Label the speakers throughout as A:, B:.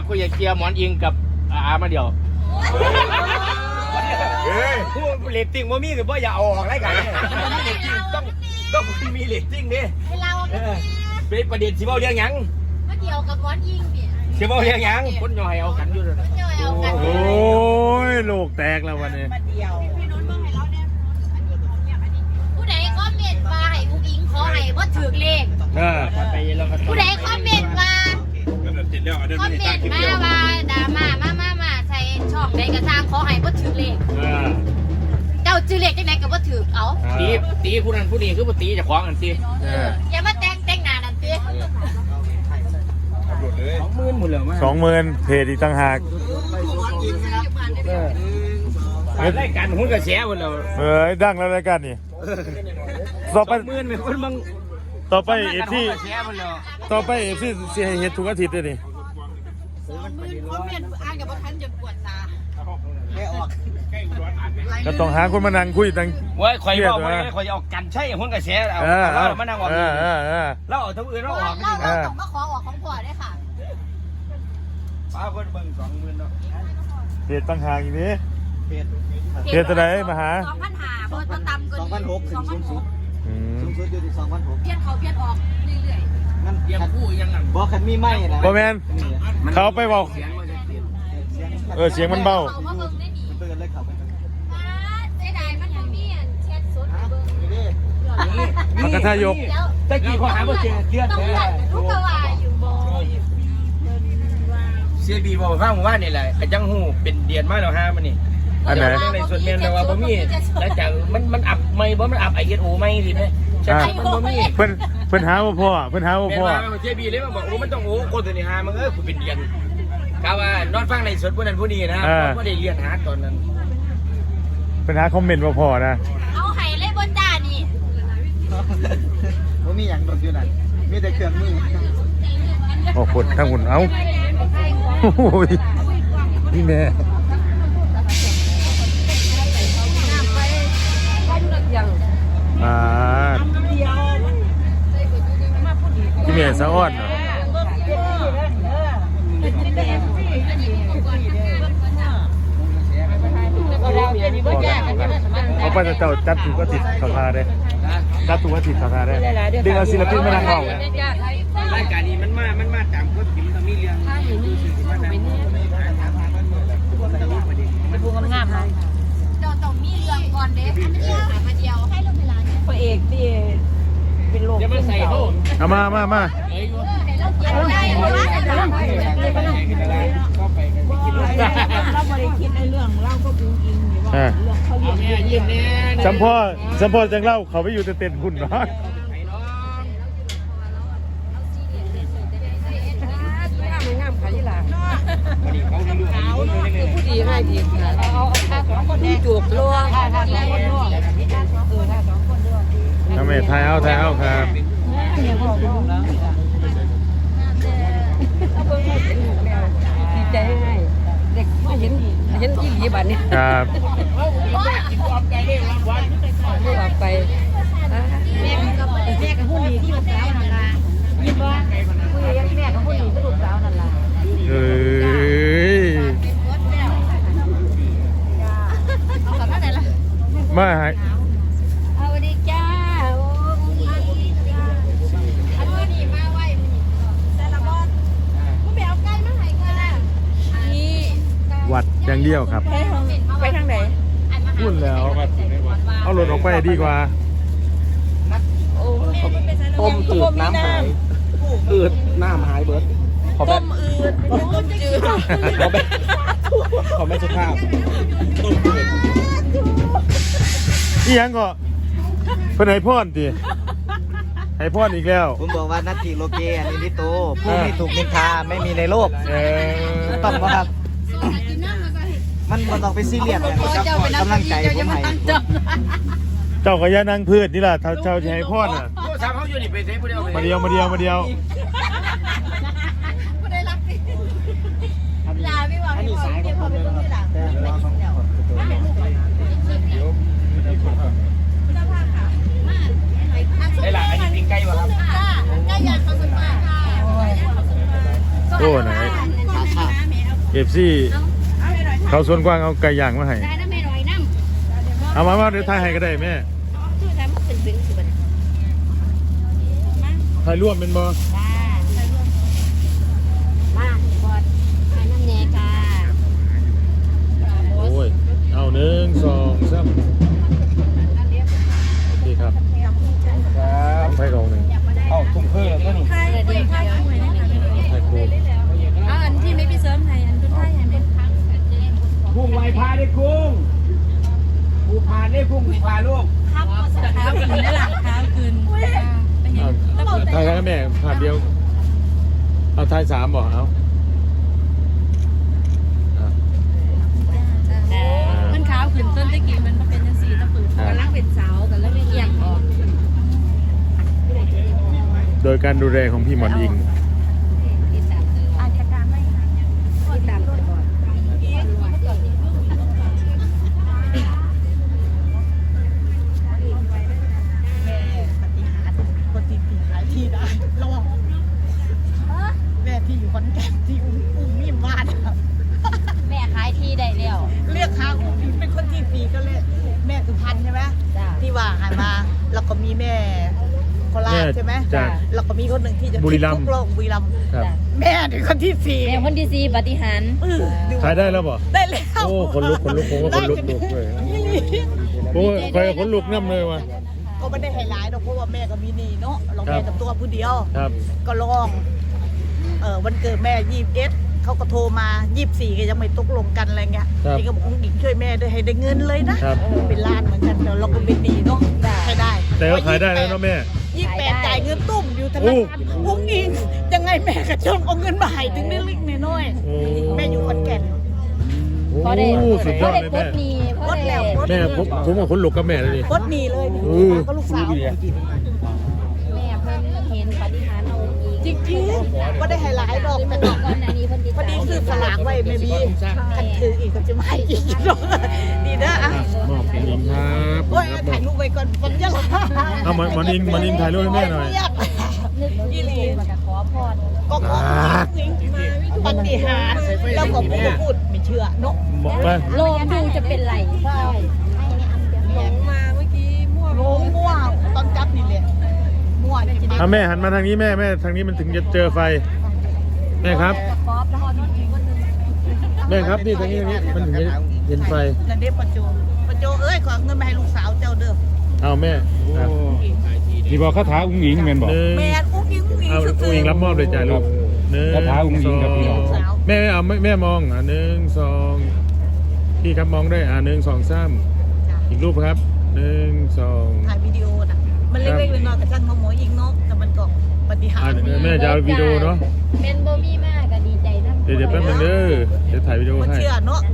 A: กูอยากเคลียร์หมอนอิงกับอามาเดียวผู้เรตติ้งว่ามีหรือว่าอย่าเอาออกรายการเนี่ยต้องมีเรตติ้งดิ
B: ให้เรา
A: เป็นประเด็นสิเบ้าเรื่องยัง
B: มาเกี่ยวกับหมอนยิงเนี่ย
A: สิเบ้าเรื่องยังคนย่อยเอากันอยู่เลย
C: โอ้ยโลกแตกแล้ววันนี้
B: ผู้ใดคอมเมนต์มาให้อุ้งอิงขอให้ว่าถือเลขผู้ใดคอมเมนต์มาคอมเมนต์มาว่าดราม่ามาใส่ช่องใดกระซังขอให้ว่าถือเลขเจ้าถือเลขจังไหนกับว่าถือเอา
A: ตีผู้นั้นผู้นี้คือตีจะคล้องกันตี
B: อย่ามาแต่งหน้านั่นตี
A: 20,000หมดเลยมั้
C: ย20,000เพจอีกต่างหาก
A: รายการหุ้นกระแสหมดแล้ว
C: ดังแล้วรายการนี่ต่อไป
A: 10,000เป็นคนบาง
C: ต่อไปเอฟซีเสียเฮ็ดทุกอาทิตย์เลยนี่
B: คอมเมนต์อ่านกับว่าท่านจะปวดตา
C: ก็ต้องหาคนมานั่งคุยตั้ง
A: ว่าคอยบอกว่าคอยจะออกกันใช่หุ้นกระแสเอามานั่งออกแล้วเอาทั้งอื่นเราออก
B: เราต้องมาขอออกของพ่อได้ค่ะ
A: ป้าคนเบิ่ง20,000เนาะ
C: เพจต่างหากอีกนี้เพจตัวไหนมาหา
B: 2,500เบอร์ต่ำกว่า
D: 2,600ถึงสูงสุดอยู่ที่2,600
B: เปลี่ยนเขาเปลี่ยนออกเรื่อย
D: ๆนั่น
A: ยังผู้ยังนั่น
D: บอกคันมีไหมนะ
C: บ่แมนเขาไปบอกเสียงมันเบา
D: เปิดเลยเขาไป
B: เสียดายมันมีแชทสด
C: มันก็ทายก
A: ตะกี้พอหาบ่เจอเลือดเลย
B: ลูกกวาอยู่บ่
A: เสียบีบอกฟังว่านี่แหละจังหูเป็นเดือนมาแล้วฮะมันนี่
C: อันไหน
A: ในส่วนเมียนแต่ว่าบ่มีแล้วจากมันอับไม่บ่มันอับISOไม่สิแม่ใช่มันบ่มี
C: เพิ่นหาว่าพ่อเ
A: สียบีเลยมาบอกมันต้องคนตัวนี้หามันกูเป็นเดือนกะว่านอนฟังในสดผู้นั้นผู้นี้นะบ่ได้เรียนหาตอนนั้น
C: เพิ่นหาคอมเมนต์ว่าพ่อนะ
B: เอาให้เลยบนจ้านี่
D: บ่มีหยังดอกอยู่นั่นมีแต่เครื่องมือ
C: โอ้ฝุ่นทั้งฝุ่นเอาโอ้ยนี่แม่ที่แม่สะอ้อนเอาไปเจ้าจัดถูกก็ติดสภาได้จัดถูกก็ติดสภาได้ดึงเอาศิลปินมานั่งเอา
A: รายการนี้มันมาตามกฎกินต้องมีเรื่อง
B: มันพูดงามๆเลยเจ้าต้องมีเรื่องก่อนเด้มาเดียวให้ลงเวลาเนี่ย
E: พระเอกที่เป็นโรค
A: จะมาใส่โทษ
C: เอามา
E: เราบริคิดในเรื่องเล่าก็ปูอิงอยู่ว่าเรื่องเขาเรียน
C: สัมพอจังเล่าเขาไปอยู่เต้นหุ่นเนาะ
E: งามขายี่หลังผู้ดีให้ดีเอาคนที่จูบล่วง
C: ทำไมทายเอาครับ
E: ดีใจให้เด็กมาเห็นที่หลีบันนี่
C: ครับ
E: ออกไป
B: แม่กับผู้ดีที่ลูกสาวนั่นล่ะยิ้มว่าผู้ใหญ่แม่กับผู้ดีที่ลูกสาวนั่นล่ะ
C: มา
B: เอาดีจ้าโอ้อันนี้มาไว้แต่ละบอสผู้ไปเอาไก่มาให้เงินน่ะนี่
C: วัดอย่างเดียวครับ
E: ไปทางไหน
C: พูดแล้วเอารถออกไปดีกว่า
D: ต้มจืดน้ำหายน้ำหายเบิร์ด
E: ต้มอืดต้มจืด
D: ขอไม่สุภาพ
C: อีหยังก็เป็นไห้พอนดิไห้พอนอีกแล้ว
D: ผมบอกว่านัตติโลเกอันนี้ที่โตผู้ไม่ถูกนินทาไม่มีในโลกต้องบ่ครับมันต้องไปซีเรียสกำลังใจผมให้
C: เจ้าก็ย่านั่งพืชนี่ล่ะเจ้าจะให้พอนอ่ะ
A: เขาอยู่นี่ไปเทผู้เดียว
C: มาเดียว
B: ผู้ได้รักดิลาไม่ว่าไม่พอเก็บพอเป็นคนที่หลัง
A: ได้ละอันนี้ปิ้งไก่วะครับ
B: ไก่ย่างเขาสุดมาก
C: โอ้ไหน FC เขาสวนกว้างเอาไก่ย่างมาให้
B: ได้น้ำแม่หน่อยน้ำ
C: เอามาเดี๋ยวถ่ายให้ก็ได้แม่
B: ชื่อทำมันเป็นคือมัน
C: ถ่ายร่วมเป็นบ่
B: จ้ามาบอดให้น้ำแน่ค่ะ
C: โอ้ยเอา1 2 3นี่ครับไฟกองหนึ่ง
A: เอ้าทุ่งเพื่อก็นี่
B: เดี๋ยวเดี๋ยว
C: ไฟโคม
E: อันที่ไม่ไปเสริมไทยอันเป็นไทยอันเป็น
A: กุ้งไวพาได้กุ้งกูพาได้กุ้งกูพาลูก
E: เท้ากินได้หลังเท้ากินไปเห็น
C: ถ่ายให้แม่ผ่านเดียวเอาถ่าย3บ่เอา
E: มันขาวขึ้นต้นตะกี้มันมาเป็นจังซี่ตะปืนกำลังเป็นสาวกันแล้วเอียงออก
C: โดยการดูแลของพี่หมอนอิง
E: อาจารย์ไม่ติดตามก่อนคนที่ขายที่ได้ลองแม่ที่อยู่ขอนแก่นที่อุ้มมีบ้าน
B: แม่ขายที่ได้แล้ว
E: เรียกค้าอุ้มเป็นคนที่ปีก็เลยแม่สุพรรณใช่ไหมที่ว่าหายมาแล้วก็มีแม่โคราชใช่ไหมแล้วก็มีคนหนึ่งที่จะบุรีรัมย์
C: ครับ
E: แม่เป็นคนที่สี่
B: แม่คนที่4ปฏิหาร
C: ถ่ายได้แล้วบ่
E: ได้แล้ว
C: โอ้คนลุกผมก็คนลุกเลยโอ้ยใครคนลุกน้ำเลยว่ะ
E: ก็ไม่ได้ไฮไลท์หรอกเพราะว่าแม่ก็มีนี่เนาะเราแม่กับตัวผู้เดียว
C: ครับ
E: ก็ลองวันเกิดแม่21เขาก็โทรมา24ก็ยังไม่ตกลงกันอะไรเงี้ยนี่ก็บอกคุณหญิงช่วยแม่ด้วยให้ได้เงินเลยนะเป็นล้านเหมือนกันแต่เราก็เป็นดีเนาะใช้ได้
C: แต่ก็ขายได้แล้วเนาะแม่
E: 28จ่ายเงินตุ้มอยู่ธนาคารพุงอิงยังไงแม่ก็จนเอาเงินมาให้ถึงได้เล็กน้อย
C: โอ้
E: แม่อยู่ขอนแก่น
B: พอได้
C: สุดย
B: พ
C: อ
B: อ
C: ด
B: ได้
C: เลย
B: ก
C: แม่
B: ดหนี้พอได้
C: แม่ผมกับคนลุกกับแม่เลยดิ
E: รถหนีเลยนี่ก็ลูกสาว
B: แม่เพิ่นเห็นปฏิหารเอาอีก
E: จริงๆก็ได้ไฮไลท์ดอกแต่
B: ก่อนหน้านี้เพิ่นติด
E: พอ
B: ตาม
E: ดีซื้อสลากไว้ไม่มีคันถืออีกก็จะไม่อีกดีนะอ่ะ
C: มอบคุณหญิงครับ
E: โอ้ยถ่ายรูปไว้ก่อนผมจะลา
C: เอาหมอนอิงถ่ายรูปให้แม่หน่อย
B: นึกดีๆมันจะขอพร
E: ก็ขอปฏิหารแล้วก็พูดไม่เชื่อเนาะ
C: ไป
B: ลองดูจะเป็นไรใช่
E: หลงมาเมื่อกี้มั่วตอนจับนี่แหละมั่วจริง
C: เอาแม่หันมาทางนี้แม่ทางนี้มันถึงจะเจอไฟแม่ครับ
B: ป๊อปแล้วมีอีกคนนึง
C: แม่ครับนี่ทางนี้มันถึงจะเห็นไฟ
E: นั่นเด็กปัจจุเอ้ยขอเงินมาให้ลูกสาวเจ้าเด้อ
C: เอาแม่
F: ที่บอกคาถาอุ้งอิงแม่นบอก
E: แม่อุ้งอิง
C: เอาอุ้งอิงรับมอบเลยจ้าลูก1
F: คาถาอุ้งอิงครับพี่น้อง
C: 2แม่เอาแม่มอง1 2พี่ครับมองด้วย1 2 3อีกรูปครับ1 2
E: ถ่ายวิดีโอน่ะมันเล็กๆน้อยๆกับช่างเขาหมอยิงเนาะแต่มันก็ปฏิหาร
C: แม่จะเอาวิดีโอเนาะ
B: เป็นบ่มีมากก็ดีใจนำ
C: เดี๋ยวแป๊บนึงเด้อเดี๋ยวถ่ายวิดีโอ
E: มัน
C: ให้
E: เชื่อเนาะ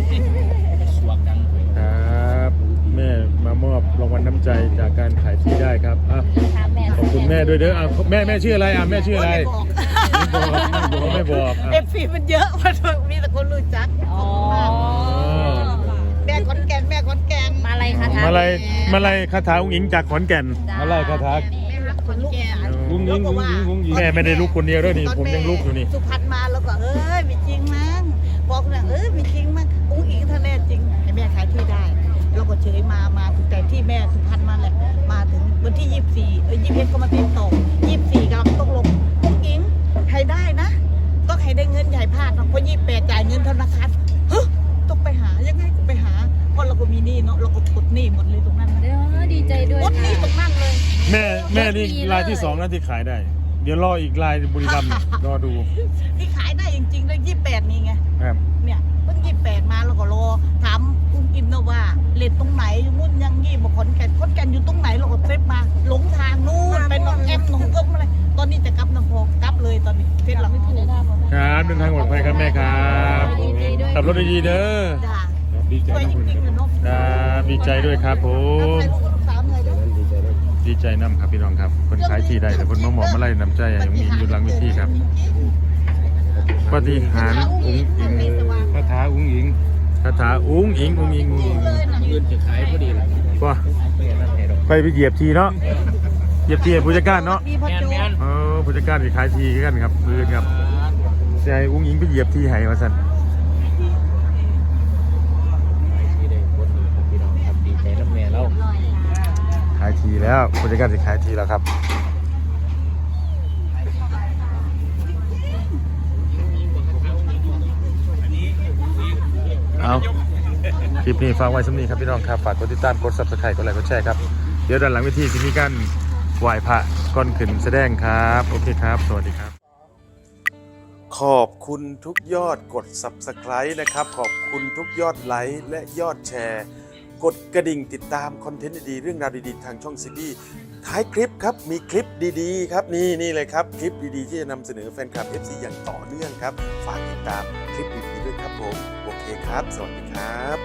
C: ครับแม่มามอบรางวัลน้ำใจจากการขายที่ได้ครับอ่ะ
B: ถามแม่
C: ขอบคุณแม่ด้วยเด้อแม่ชื่ออะไรแม่ชื่ออะไร
E: ไม่บอก
C: ไม่บอก
E: เอฟซีมันเยอะมันมีแต่คนรู้จัก
B: อ๋อ
E: แม่ขอนแก่น
B: มาอะไรคะ
C: มาลัยคาถาอุ้งอิงจากขอนแก่น
F: มาไล่คาถา
E: แม่ฮักขอนแก่น
F: อุ้งอิงอุ้งอิงอุ้งอิง
C: แม่ไม่ได้ลุกคนเดียวด้วยนี่ผมยังลุกอยู่นี่
E: สุพรรณมาแล้วก็ไม่จริงมั้งบอกนะไม่จริงมั้งอุ้งอิงถ้าแน่จริงให้แม่ขายที่ได้เราก็เฉยมาถึงแต่ที่แม่สุพรรณมาแหละมาถึงวันที่21ก็มาติดต่อ24กำลังต้องลงอุ้งอิงให้ได้นะต้องให้ได้เงินใหญ่พลาดนะเพราะ28จ่ายเงินธนาคารต้องไปหายังไงก็ไปหาเพราะเราก็มีหนี้เนาะเราก็กดหนี้หมดเลยตรงนั้น
B: ดีใจด้วย
E: กดหนี้ตรงนั้นเลย
C: แม่นี่ลายที่2นะที่ขายได้ เดี๋ยวรออีกลายบุรีรัมย์รอดู
E: ที่ขายได้จริงๆเลย28นี่ไง
C: ครับ
E: เนี่ยเพิ่ง28มาแล้วก็รอถามคุณอิมนะว่าเลทตรงไหนมุ่นยังงี้บอกขอนแก่นอยู่ตรงไหนเราก็เซฟมาหลงทางนู่นไปน้องแอมน้องเอิ้มอะไรตอนนี้จะกลับน้ำพอกลับเลยตอนนี้เฟซเราไม่ถูก
C: ครับเดินทางปลอดภัยครับแม่ครับขับรถดีๆเด้อ
E: จ้า
F: ดีใจ
E: ช่วยจริงๆเลยเนาะ
C: ครับดีใจด้วยครับผม
E: ใครลูกสาวเลยเด้อ
C: ดีใจน้ำครับพี่น้องครับคนขายที่ได้แต่คนมาหมอมาไล่น้ำใจยังมีอยู่หลังวิธีครับปฏิหารอุ้งอิง
F: คาถาอุ้งอิง
C: คาถาอุ้งอิง
A: เงินจะขายพอดีเลย
C: ก็ไปเหยียบทีเนาะเหยียบทีผู้จัดการเนาะ
E: มีพ่อโจ
C: ผู้จัดการที่ขายทีกันครับเพื่อนครับใจอุ้งอิงไปเหยียบทีไห้มาสั่นายทีแล้วผู้จัดการสิขายทีแล้วครับเอาคลิปนี้ฝากไว้สำนีครับพี่น้องครับฝากกดติดตามกด Subscribe กดไลค์กดแชร์ครับเดี๋ยวด้านหลังเวทีจะมีการไหว้พระก่อนขึ้นแสดงครับโอเคครับสวัสดีครับขอบคุณทุกยอดกด Subscribe นะครับขอบคุณทุกยอดไลค์และยอดแชร์กดกระดิ่งติดตามคอนเทนต์ดีๆเรื่องราวดีๆทางช่องซีบีท้ายคลิปครับมีคลิปดีๆครับนี่เลยครับคลิปดีๆที่จะนำเสนอแฟนคลับ FC อย่างต่อเนื่องครับฝากติดตามคลิปดีๆด้วยครับผมโอเคครับสวัสดีครับ